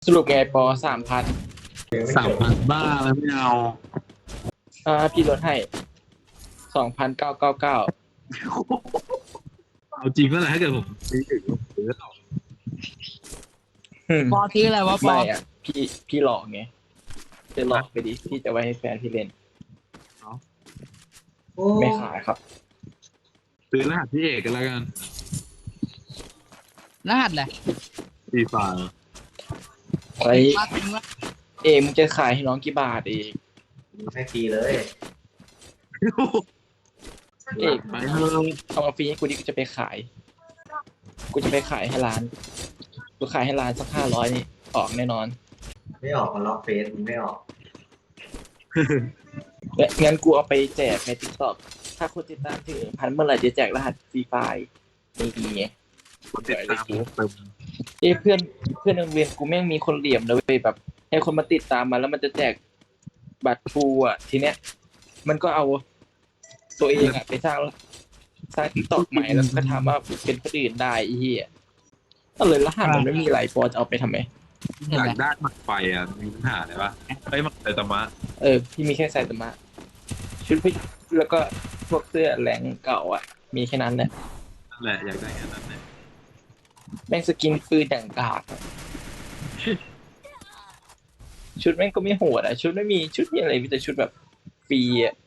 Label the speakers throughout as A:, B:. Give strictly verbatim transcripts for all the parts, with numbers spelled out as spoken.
A: สรุปไงปอสามพัน
B: สามพันบ้าแล้วไม่เอา
A: อ่าพี่ลดให้สองพันเก้าเก้าเก้า
B: เอาจริงก็แหละถ้าเกิดผมซื้อถึงผมซื้อหรอก
C: ปอซื้ออะไรวะปอ
A: ไม่อ่ะพี่พี่หลอกไงจะหลอกไปดิพี่จะไว้ให้แฟนพี่เล่นไม่ขายครับ
B: ซื้อรหัสพี่เอกกันแล้วกัน
C: รหัสแหละ
B: ฟรีไฟล์
A: ไอ้
C: มาถึงว่า
A: เอมึงจะขายให้น้องกี่บาทเอง
D: ให้ฟรีเลย
A: เอก
B: ไปเถอะ
A: เอามาฟรีให้กูดิกูจะไปขายกูจะไปขายให้ร้านกูขายให้ร้านสักห้าร้อยนี่ออกแน่นอน
D: ไม่ออกมันล็อกเฟซมันไม่ออก
A: และงั้นกูเอาไปแจกในติ๊กต็อกถ้าคนติดตามถึงพันเมื่อไหร่จะแจกรหัสฟรีไฟล์นี่ไง
B: คนติดตามผมเติม
A: เอ้เพื่อนเพื่อนโรงเรียนกูแม่งมีคนเหลี่ยมนะเว้ยแบบให้คนมาติดตามมาแล้วมันจะแจกบัตรฟูอ่ะทีเนี้ยมันก็เอาตัวเองอ่ะไปสร้างสร้างติ๊กต็อกใหม่แล้วก็ถามว่าเป็นคนอื่นได้ไอ้เหี้ยก็เลยรหัสมันไม่มีไรปอจะเอาไปทำไม
B: อยากได้หมักไฟอ่ะมีปัญหาอะไรปะไอ้หมักไฟตะมะ
A: เออพี่มีแค่ไซตามะชุดพี่แล้วก็พวกเสื้อแหลงเก่าอ่ะมีแค่นั้นแหละ
B: นั่นแหละอยากได้แค่นั้นแหละ
A: แม่งสกินปืนอย่างกากอะชุดแม่งก็ไม่โหดอ่ะชุดไม่มีชุดมีอะไรมีแต่ชุดแบบฟรีอ่ะ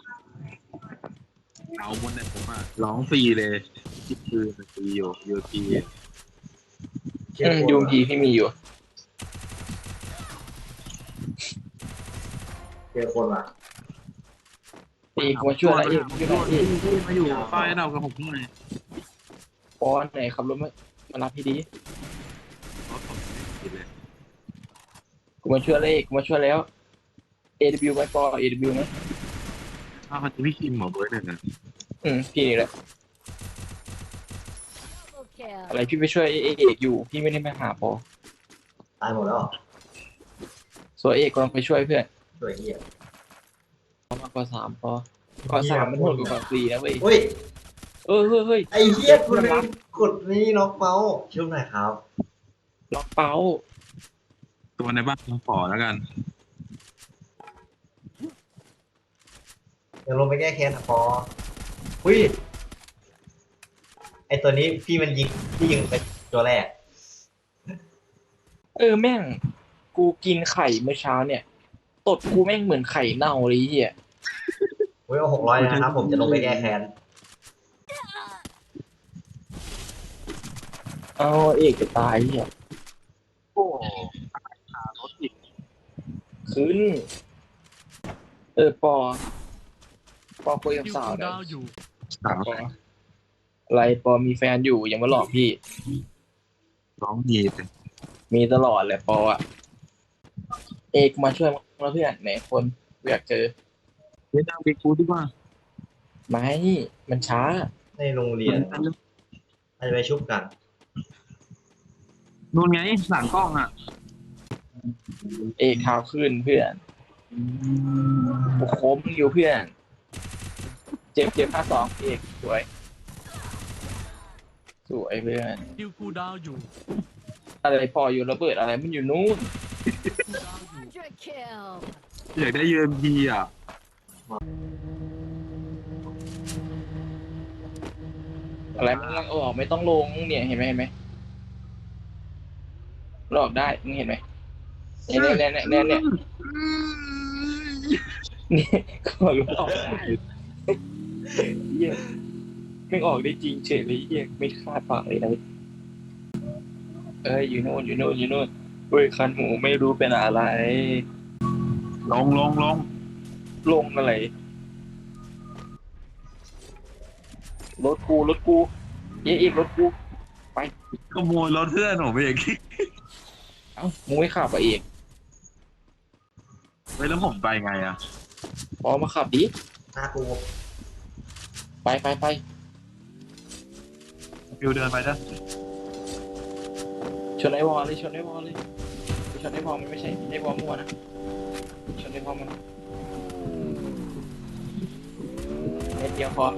B: เอาหมดเนี่ยผมอ่ะร้องฟรีเลยคิดคือมันฟรีอยู่ยูที
D: เชื่อ
A: อืม
D: คน
A: ยูมพีพี่มีอยู่
D: เจอคนว่ะ
A: ตีกูมาช่วยอะไรอีกช่วยอะไรอีก
B: มาอยู่ป้ายเรากับผมหน่อย
A: ปอนไหนขับรถมามารับพี่ดี
B: เพราะผมไม่ผิดเลย
A: กูมาช่วยอะไรอีกกูมาช่วยแล้ว เอ ดับเบิลยู ไหมปอ เอ ดับเบิลยู ไหม
B: อ้าวเขาจะพี่คิมหมอเบิร์ดเนี่ยนะ
A: อืมพี่นี่แหละอะไรพี่ไปช่วยเอเอกอยู่พี่ไม่ได้มาหาปอ
D: ตายหมดแล้วเหรอ
A: ส่วนเอกกำลังไปช่วยเพื่อน
D: ช่วยเหี้ย
A: มากกว่าสามปอกว่าสามมันโหดกว่าสี่นะเว้ย
D: เฮ้ย
A: เออเฮ้ยเฮ้ย
D: ไอ้เหี้ยคุณลืมกดนี่ล็อกเมาส์ช่วยหน่อยครับ
A: ล็อกเป้า
B: ตัวในบ้านผมขอแล้วกัน
D: เดี๋ยวลงไปแก้แค้นอ่ะปอหุ้ยไอตัวนี้พี่มันยิงพี่ยิงไปตัวแรก
A: เออแม่งกูกินไข่เมื่อเช้าเนี่ยตดกูแม่งเหมือนไข่เน่าเลยไอ้เหี้ย
D: เฮ้ยเอาหกร้อยนะครับผมจะลงไปแก้แค้น
A: เอาเอกจะตายเหี้ย
B: โอ้ขารถอีก
A: ขึ้น เออปอ ปอคุยกับสาวหน่อย
B: สาว
A: ปออะไรปอมีแฟนอยู่ยังมาหลอกพี่
B: ร้องดีแต่
A: มีตลอดแหละปออะเอกมาช่วยมาเพื่อนไหนคนกูอยากเจอ
B: ไม่ต้องไปกูดีกว่า
A: ไม่มันช้า
D: ในโรงเรียนอาจจะไปชุบกัน
B: นู่นไงหลังกล้องอ่ะ
A: เอกข่าวขึ้นเพื่อนกูโคมอยู่เพื่อน เจ็บเจ็บห้าสองเอกสวย สวยเพื่อน
E: คิวคูลดาวน์อยู่
A: อะไรพออยู่ระเบิดอะไรมันอยู่นู้น
B: อยากได้ยูเอ็มพีอ่ะ
A: อะไรมันลังออกไม่ต้องลงเนี่ยเห็นไหมเห็นไหมหลอกได้มึงเห็นไหมเนี่ยเนี่ยเนี่ยเนี่ยเนี่ยนี่ก็รู้ออกได้เหี้ยไม่ออกได้จริงเฉยเลยเหี้ยไม่คาดฝันเลยนะเอ้ยอยู่โน่นอยู่โน่นอยู่โน่นเฮ้ยคันหูไม่รู้เป็นอะไร
B: ลงลงลง
A: ลงอะไรรถกูรถกูเย้อีกรถกูไป
B: ขโมยรถเพื่อนผมไปอย่างนี้
A: เอ้ามึงไม่ขับอ่ะเอก
B: เฮ้ยแล้วผมไปไงอ่ะ
A: พอมาขับดิ
D: หน้ากู
A: ไปไปไป
B: ฟิวเดินไปจ้ะ
A: ชนไอ้วอลเลยชนไอ้วอลเลยชนไอ้วอลมันไม่ใช่ไอ้วอลมั่วนะชนไอ้วอลมันเม็ดเดียวพอ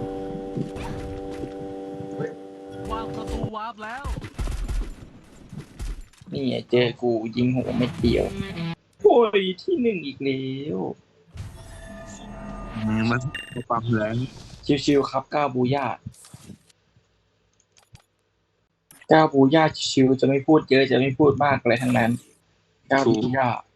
E: วางประตูวาร์ปแล้ว
A: นี่ไงเจอกูยิงหัวไม่เดียวโอ้ยที่หนึ่งอีกแล้ว
B: มันมาปั๊มแรง
A: ชิวๆครับก้าวบูย่าก้าวบูย่าชิวๆจะไม่พูดเยอะจะไม่พูดมากอะไรทั้งนั้นก้าวบูย่า